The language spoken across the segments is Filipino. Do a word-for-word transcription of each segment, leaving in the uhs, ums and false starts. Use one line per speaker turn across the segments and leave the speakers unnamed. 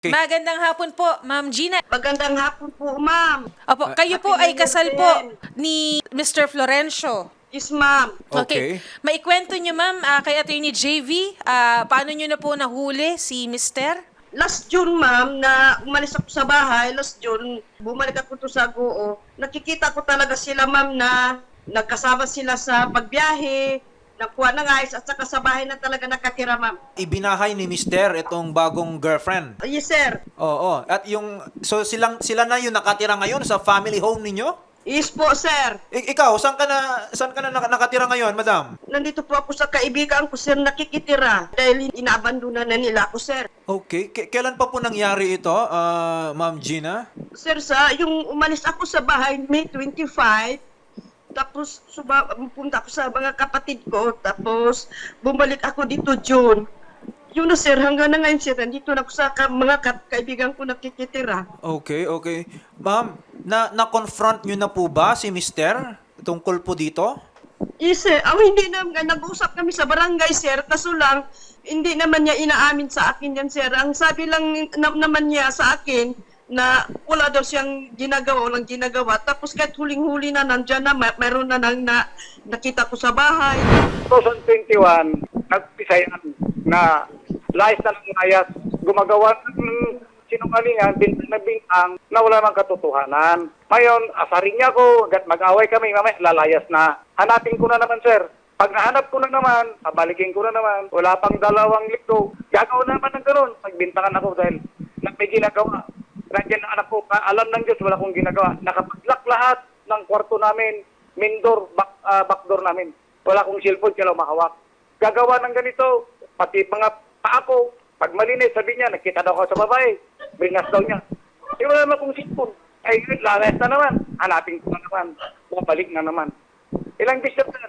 Okay.
Magandang hapon po, Ma'am Gina.
Magandang hapon po, ma'am.
Opo, kayo po
Happy
ay
New Year
kasal
din.
po ni Mister Florencio.
Yes, ma'am.
Okay. Maikwento niyo, Ma'am, ah, kay Attorney J V, ah, paano niyo na po nahuli si Mister?
Last June, ma'am, na umalis ako sa bahay, last June, bumalik ako to sa Goo. Nakikita ko talaga sila, ma'am, na nagkasama sila sa pagbiyahe, nakuha ng ayos, at saka sa bahay na talaga nakatira, ma'am.
Ibinahay ni Mister itong bagong girlfriend.
Yes, sir.
Oo. At yung, so silang, sila na yung nakatira ngayon sa family home ninyo?
Yes po, sir.
I- ikaw, saan ka na, saan ka na nak- nakatira ngayon, madam?
Nandito po ako sa kaibigan ko, sir, nakikitira. Dahil inaabandona na nila ako, sir.
Okay. K- kailan pa po nangyari ito, ah, Ma'am Gina?
Sir, sa yung umalis ako sa bahay May twenty-five, tapos suba, pumunta ako sa mga kapatid ko, tapos bumalik ako dito June. Yun na, sir, hanggang na ngayon, sir, nandito na ako sa ka- mga ka- kaibigan ko nakikitira.
Okay, okay. Ma'am, na na-confront nyo na po ba si Mister tungkol po dito?
Yes, sir. Oh, hindi na, nag-usap kami sa barangay, sir, kaso lang, hindi naman niya inaamin sa akin yan, sir. Ang sabi lang na- naman niya sa akin, na wala daw siyang ginagawa, walang ginagawa. Tapos kahit huling-huli na, nandyan na, may- mayroon na nang na, nakita ko sa bahay.
twenty twenty-one, nagpisayan na layas na ng layas, gumagawa ng sinungalingan, bintang na bintang, na wala mang katotohanan. Ngayon, asarin niya ko, gat mag-away kami, mamaya lalayas na. Hanapin ko na naman, sir. Pag nahanap ko na naman, pabalikin ko na naman, wala pang dalawang linggo, gagawin na naman ng ganun. Pagbintangan ako dahil na may ginagawa. Nandiyan ang anak ko, ka- alam ng Diyos, wala kong ginagawa. Nakapag-lock lahat ng kwarto namin, main door, back, ah, back door namin. Wala kong cellphone, kailangan mahawak. Gagawa ng ganito, pati mga paa ko, pag malinis, sabi niya, nakita daw ako sa babae, bringas daw niya. Eh, wala naman kong cellphone. Ay, yun, lalayas na naman. Hanapin ko na naman. Babalik na naman. Ilang bisis, sir.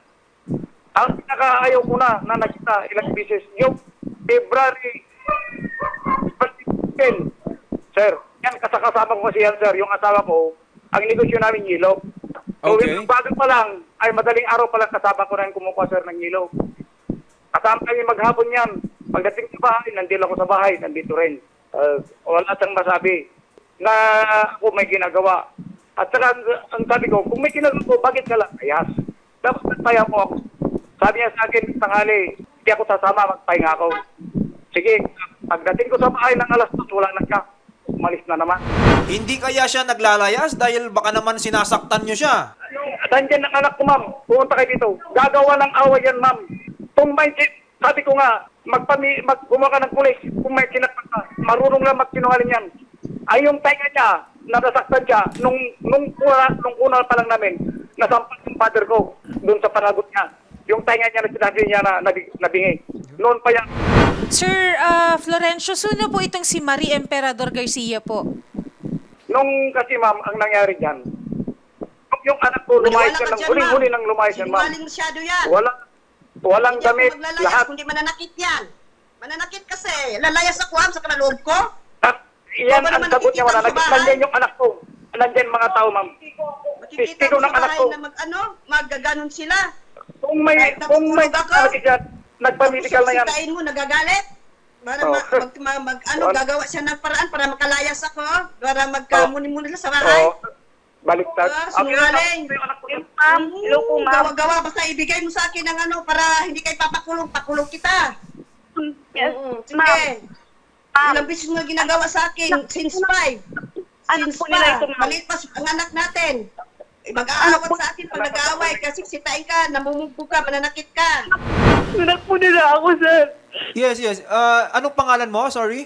Ang pinakaayaw ko na, na nakita, ilang bisis, yung February ten, sir, yan, kasakasama ko kasi yan, sir, yung asawa ko, ang negosyo namin yelo. So,
Okay.
yung bago pa lang, ay madaling araw pa lang kasama ko rin kumukuha, sir, ng yelo. Kasama kami maghapon yan. Pagdating sa bahay, nandito ako sa bahay, nandito rin. Uh, wala siyang masabi na ako may ginagawa. At saka, ang, ang sabi ko, kung may ginagawa ko, bakit ka lang? Ayas. Dapat nagpaya po ako. Sabi niya sa akin, tanghali, hindi ako sasama, magpahinga ako. Sige, pagdating ko sa bahay ng alas dos, wala na siya. Umalis na naman.
Hindi kaya siya naglalayas dahil baka naman sinasaktan nyo siya?
Nandiyan ang anak ko, ma'am. Pumunta kayo dito. Gagawa ng away yan, ma'am. Kung may, sabi ko nga, magpami, mag, gumawa ka ng pulis. Kung may kinakpan ka, marunong lang magsinungaling yan. Ay, yung tainga niya, nasasaktan siya, nung, nung, una, nung una pa lang namin, nasampas yung father ko, doon sa panagot niya. Yung tainga niya na sinabi niya na nabi, nabingi. Noon pa yan.
Sir ah, Florencio, sino po itong si Marie Emperador Garcia po?
Nung kasi, ma'am, ang nangyari dyan, yung anak ko, lumayas yan, ng huling-huli nang lumayas yan, ma'am.
Sinungaling masyado yan.
Wala, walang
Hindi ako
damit,
maglalayas,
lahat.
kundi mananakit yan. Mananakit kasi. Lalayas ako, am, sa kanaloob ko.
At yan
Ikaw ba
ang
naman
sagot niya,
nakikita
wala.
mo sa bahay?
Nandyan yung anak ko. Nandyan mga tao, ma'am.
Makikita
Testigo
mo
ng
sa
anak
bahay
ko.
na mag, ano, maggaganon sila.
Kung may,
Kahit
kung may
natutulog ako.
talaga siya, nagpa-medical na yan.
Tapos sikain mo, nagagalit. Para
Oh.
ma- mag, mag, mag- ano,
Wala.
gagawa siya ng paraan para makalayas ako. Para magkamuni-muni lang sa bahay.
Oo. Baliktad.
Ah,
Ang
sinungaling.
yung anak ko.
Ma'am, hello po, ma'am. Gawa-gawa, basta ibigay mo sa akin ng ano, para hindi kayo papakulong, pakulong kita.
Yes,
Oo, sige.
ma'am. Ma'am.
Ilang beses mo na ginagawa sa akin, since five.
Anak
Since
po nila
pa,
ito, ma'am.
maliit pa ang anak natin. Eh, mag-aawat sa akin pag nag-aaway, kasi sitain ka, namumugpo ka, mananakit ka.
Anak po nila ako, sir.
Yes, yes. Ah, anong pangalan mo? Sorry?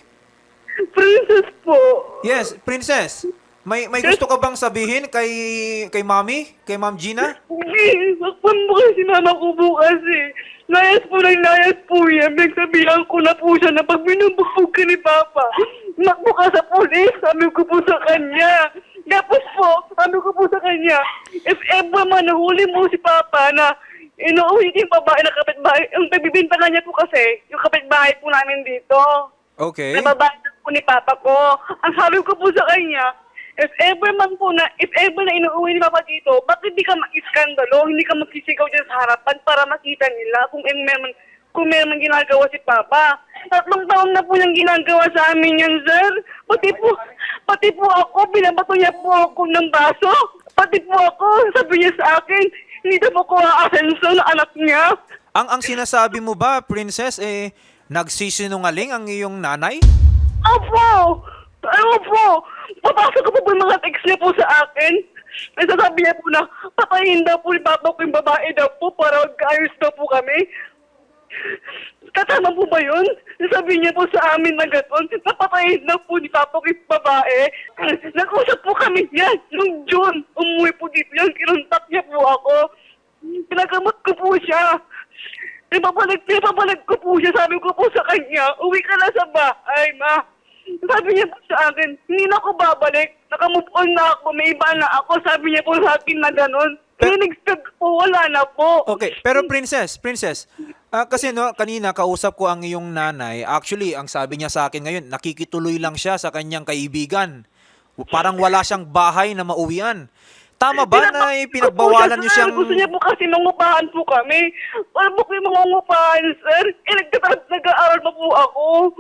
Princess po.
Yes, Princess. May may gusto ka bang sabihin kay kay Mami? Kay Ma'am Gina?
Hindi, sakpan mo kasi mama ko bukas eh. Layas po lang layas po yan. Nagsabihan ko na po siya na pag binubugbog ka ni Papa, makbo ka sa pulis, sabi ko po sa kanya. Tapos po, sabi ko po sa kanya, if ever man nahuli mo si Papa na inuuwi ko yung babae na kapitbahay, yung pagbibintangan niya po kasi, yung kapitbahay po namin dito.
Okay.
Nababahan po ni Papa ko. Ang sabi ko po sa kanya, if ever man po na, if ever na inuuwi ni Papa dito, bakit hindi ka mag-iskandalo, hindi ka magsisigaw dyan sa harapan para makita nila kung eh, meron, kung meron ginagawa si Papa. tatlong taon na po niyang ginagawa sa amin yan, sir. Pati po, pati po ako, binabato niya po ako ng baso. Pati po ako, sabi niya sa akin, hindi na po ko aasenso na anak niya.
Ang ang sinasabi mo ba, Princess, eh, nagsisinungaling ang iyong nanay?
Opo! Ano po? Papasok ko po po yung mga text niya po sa akin. Nasasabi niya po na patayin daw po ni Papa ko yung babae daw po para magkaayos daw po kami. Kasama po ba yun? Sabi niya po sa amin na gano'n, napatayin daw po ni Papa ko yung babae. Nag-usap po kami yan nung June. Umuwi po dito yan, kinuntak niya po ako. Pinagamot ko po siya. Ipapalag, ipapalag ko po siya. Sabi ko po sa kanya, uwi ka na sa bahay, ma. Sabi niya po sa akin, hindi na ako babalik. Nakamove on na ako, may iba na ako. Sabi niya po sa akin na gano'n. Kaya nag-stop po, wala na po.
Okay, pero Princess, Princess, ah, kasi no, kanina kausap ko ang iyong nanay. Actually, ang sabi niya sa akin ngayon, nakikituloy lang siya sa kanyang kaibigan. Parang wala siyang bahay na mauwian. Tama ba na pinagbawalan niyo siyang...
Gusto niya po kasi mangupahan po kami. Wala po kayo mangungupahan, sir. Eh, nagtatarap, nag-aaral pa po ako.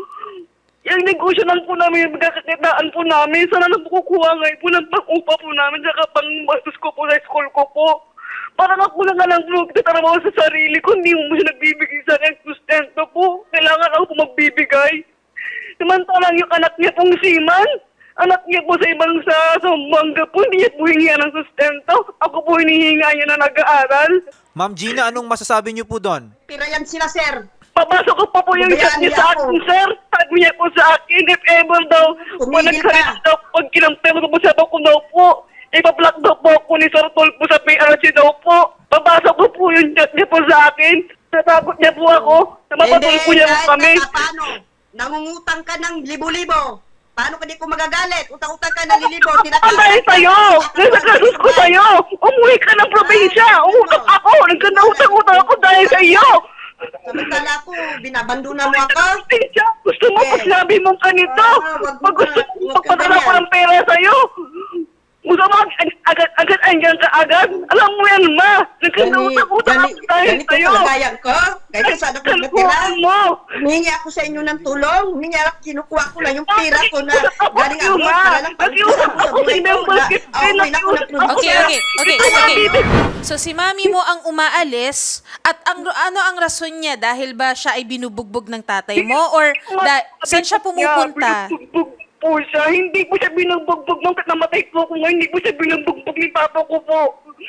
Yung negosyo lang po namin, magkakakitaan po namin. Sana lang po kukuha ngayon po ng pang-upa po namin, saka pang-bastos ko po sa school ko po. Parang ako lang nga lang po nagtatrabaho sa sarili ko, hindi mo siya nagbibigay sa akin sustento po. Kailangan ako po magbibigay. Samantalang yung anak niya pong siman, anak niya po sa ibang sa Zamboanga po, hindi niya po hingihan ng sustento. Ako po hinihinga niya na nag-aaral.
Ma'am Gina, anong masasabi niyo po doon?
Pira yan sila, sir.
Papasok ko pa po yung chat
Pabayaan
niya
niya
sa
ako.
akin, sir. Sabi niya po sa akin, if ever daw, pag
Tumigil
nagsalita
ka.
daw, pag kinampero ko po sa ko daw po, ipablock daw po ako ni Sir Tolpo sa P R C daw po. Papasok ko po yung chat niya po sa akin. Natakot niya po ako. Namapatol po niya po
kahit
kami.
na paano, nangungutang ka ng libo-libo. Paano ka di ko magagalit? Utang-utang ka ng lilibo.
Ang dahil sa'yo! Nasa kasus ko sa'yo! Umuwi ka ng probinsya! Umutang ako! Nagkanautang-utang ako dahil sa'yo!
Samantala ako, binabanduna mo ako.
Probinsya! Gusto mo
Eh.
pag sinabi mong ganito?
Ah, wag mo
Pag gusto
ka-
mo
wag ka
magpadala ko
ganyan.
ng pera sa'yo? Gusto mo ag- agad-agad andyan ka agad? Alam mo yan, ma! Nagkanautang-utang ako dahil
ganito
sa'yo!
kalagayan ko. Kaya sana ko natira.
Kalkuhan mo!
Humingi ako sa inyo ng tulong. Humingi ako, kinukuha ko na yung pira ko na
Nakiusap
galing
ako,
ako
ma.
para lang
Nakiusap
pagkisa ko sa
ako
buhay
sa
ko
member
na
kit.
okay na ako
Nakiusap
ng
ako.
Okay, okay, okay, okay. So si mami mo ang umaalis at ang ano ang rason niya dahil ba siya ay binubugbog ng tatay mo or da, saan siya pumupunta?
Binubugbog po siya. Hindi po siya binubugbog nung namatay po ako ngayon. Hindi po siya binubugbog ni papa ko po.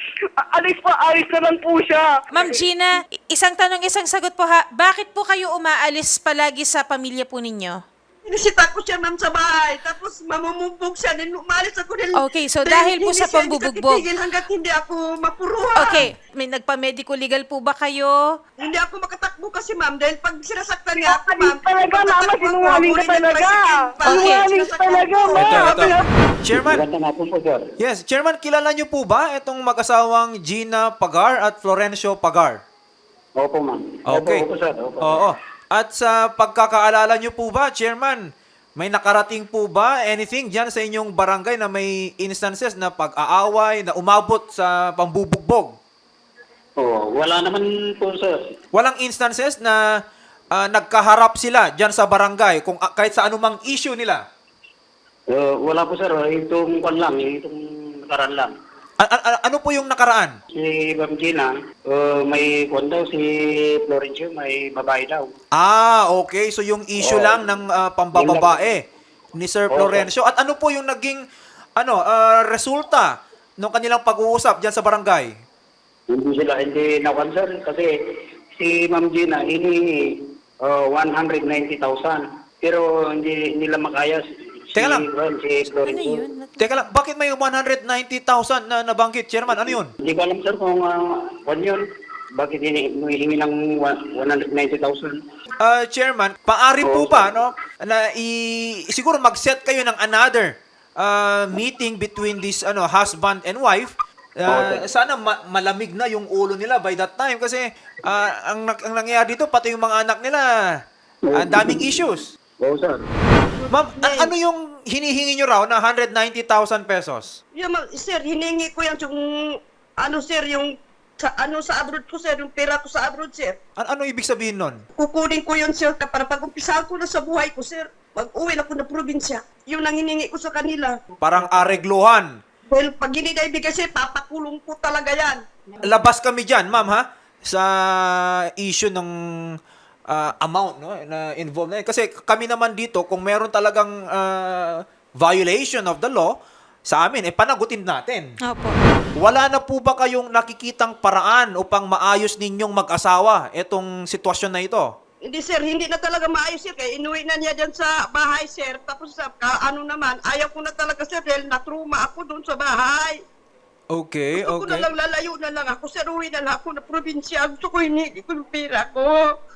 A- Alis pa, alis na lang po siya.
Ma'am Gina, isang tanong, isang sagot po ha. Bakit po kayo umaalis palagi sa pamilya po ninyo?
Inisita ko siya, ma'am, sa bahay. Tapos mamumugbog siya. Din umalis ako din.
Okay, so dahil po
hindi
sa
siya
pambubugbog.
titigil hanggat hindi ako mapuruhan.
Okay, may nagpa-medical legal po ba kayo?
Hindi ako makatakbo kasi, ma'am. Dahil pag sinasaktan niya ako, ma'am.
Talaga, mama,
pagtatakbo ako,
sinungaling ka
kunin yung
talaga.
tricycle pa.
Okay.
Sinungaling
Sinasaktan
talaga,
ko.
ma.
Ito, ito. Chairman,
Maganda nga po po, sir.
yes, Chairman, kilala niyo po ba itong mag-asawang Gina Pagar at Florencio Pagar?
Opo, ma'am.
Okay.
Opo, opo, sir. Opo.
Oo. At sa pagkakaalala niyo po ba, Chairman, may nakarating po ba anything dyan sa inyong barangay na may instances na pag-aaway, na umabot sa pambubugbog?
Oo, wala naman po, sir.
Walang instances na ah, nagkaharap sila dyan sa barangay kung ah, kahit sa anumang issue nila?
Uh, wala po, sir. Itong kwan lang, itong nakaraan lang.
A- a- a- ano po yung nakaraan?
Si Ma'am Gina, uh, may kwan daw, si Florencio, may babae daw.
Ah, okay. So yung issue
Oo.
lang ng ah, pambababae ni Sir
Oo.
Florencio. At ano po yung naging ano ah, resulta ng kanilang pag-uusap dyan sa barangay?
Hindi sila, hindi nakuan, sir. Kasi si Ma'am Gina, hinihingi uh, one hundred ninety thousand. Pero hindi nila makaya si,
Teka lang.
well, si
Ano
Florencio.
yun?
Teka lang, bakit may one hundred ninety thousand na nabanggit, Chairman? Ano yun?
Hindi ko alam, sir, kung uh, kwan yun. Bakit hinihingi ng one hundred ninety thousand?
Ah, Chairman, paari po
Oo.
ba no na i siguro mag-set kayo ng another ah, meeting between this ano husband and wife. Ah,
Oo,
sana ma- malamig na yung ulo nila by that time kasi ah, ang, nag- ang nangyayari dito pati yung mga anak nila ang daming issues.
Oo, sir.
Ma'am, a- ano yung hinihingi nyo raw na one hundred ninety thousand pesos?
Yeah, ma- sir, hiningi ko yan yung, ano, sir, yung sa ano sa abroad ko, sir, yung pera ko sa abroad, sir.
An- ano ibig sabihin nun?
Kukunin ko yun, sir, para pag-umpisa ko na sa buhay ko, sir. Pag-uwi na ko na probinsya, yun ang hiningi ko sa kanila.
Parang aregluhan.
Well, pag hindi na ibigay, sir, papakulong ko talaga yan.
Labas kami dyan, ma'am, ha? Sa issue ng ah, amount no, na involved na yun. Kasi kami naman dito, kung meron talagang ah, violation of the law, sa amin, eh, panagutin natin.
Opo.
Wala na po ba kayong nakikitang paraan upang maayos ninyong mag-asawa itong sitwasyon na ito?
Hindi, sir, hindi na talaga maayos, sir. Kaya inuwi na niya dyan sa bahay, sir. Tapos, sa ka, ano naman, ayaw ko na talaga, sir, dahil natruma ako doon sa bahay.
Okay,
Gusto ko na
okay.
lang, lalayo na lang ako, sir. Uwi na lang ako na probinsya. Gusto ko hinigi ko yung pera ko.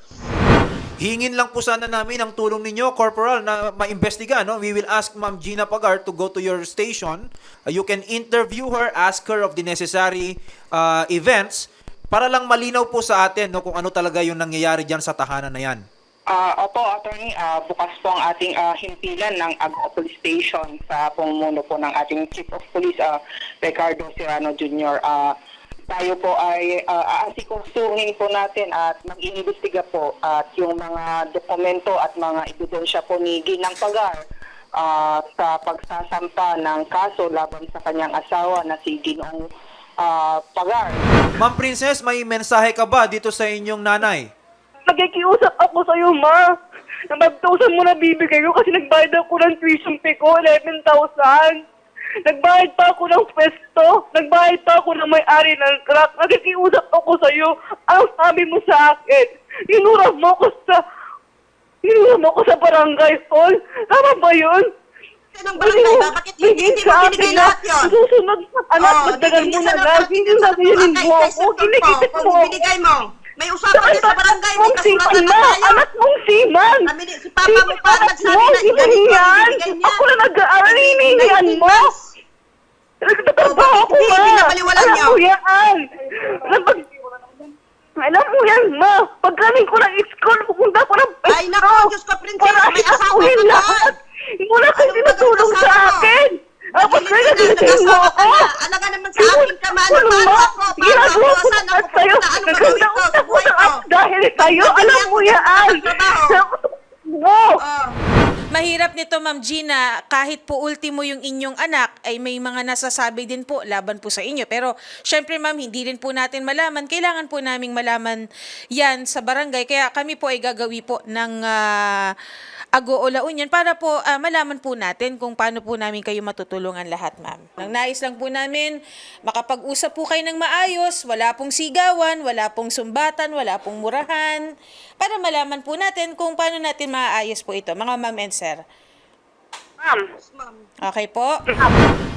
Hingin lang po sana namin ang tulong ninyo, Corporal, na maimbestiga. No? We will ask Ma'am Gina Pagar to go to your station. Uh, you can interview her, ask her of the necessary uh, events para lang malinaw po sa atin no, kung ano talaga yung nangyayari dyan sa tahanan na yan.
Ah, opo, attorney, ah, bukas po ang ating ah, himpilan ng Agua Police Station sa pamumuno po ng ating Chief of Police, ah, Ricardo Serrano Junior Ah, tayo po ay uh, aasikusuhin po natin at mag-iimbestiga po at yung mga dokumento at mga ebidensya po ni Ginang Pagar ah, sa pagsasampa ng kaso laban sa kanyang asawa na si Ginoong ah, Pagar.
Ma'am Princess, may mensahe ka ba dito sa inyong nanay?
Nakikiusap ako sa'yo, ma. Na five thousand mo na bibigay ko kasi nagbayad ako ng tuition fee ko, eleven thousand. Nagbayad pa ako ng pwesto. Nagbayad pa ako ng may-ari ng crack. Nakikiusap ako sa'yo. Ang sabi mo sa akin, inurap mo ko sa... Inurap mo ko sa barangay hall. Tama ba yun?
Anong barangay ba? Bakit hindi, hindi mo binigay lahat yun?
Susunod, anak,
Oh,
magdagal mo na
sa-
lang. Hindi na bilhin mo
Kay- kay
ako.
Sir Tulfo,
Kinikita
kung
mo.
binigay mo. May usapan din sa barangay. May
Mong siman
kasulatan na
na.
tayo.
Anak mong siman.
Kami ni- si Papa mo pa nagsabi na
Hindi
ganito ang
yan.
binigay niya.
Ako na nag-aaral, hinihingian mo. Nagtatrabaho
Oh,
ako,
hindi,
ma.
binabaliwalan
Alam
niyo.
mo yan. Napag- Alam mo yan, ma. Pagkaling ko ng school, pupunta ko ng pesto.
Ay, naku, Diyos ko, princess,
Para
may asawa
isakuhin
ka na.
lahat. Wala kang
Anong
tinutulong
magandang
sa
asawa mo?
akin. Ah, pag kaya nagigising mo
Nag-asawa ka
ako.
na. Alaga naman sa akin ka, mahal na
Ano,
mahal
ma?
ako. Paano
Ginagawa
ako?
ko
Saan
lahat
ako
sa'yo.
pupunta? Anong gagawin ko sa
Nagkakausap ko
buhay
sa
ko?
app dahil sa'yo.
Hindi
Alam
ako
mo yan.
nagtatrabaho.
Mo.
Oh.
Mahirap nito, Ma'am Gina, kahit po ultimo yung inyong anak, ay may mga nasasabi din po laban po sa inyo. Pero, syempre, Ma'am, hindi rin po natin malaman. Kailangan po naming malaman yan sa barangay. Kaya kami po ay gagawi po ng uh, Ago o La Union para po ah, malaman po natin kung paano po namin kayo matutulungan lahat, Ma'am. Ang nais lang po namin, makapag-usap po kayo ng maayos, wala pong sigawan, wala pong sumbatan, wala pong murahan, para malaman po natin kung paano natin maayos po ito, mga ma'am and sir.
Ma'am.
Ma'am.
Okay po?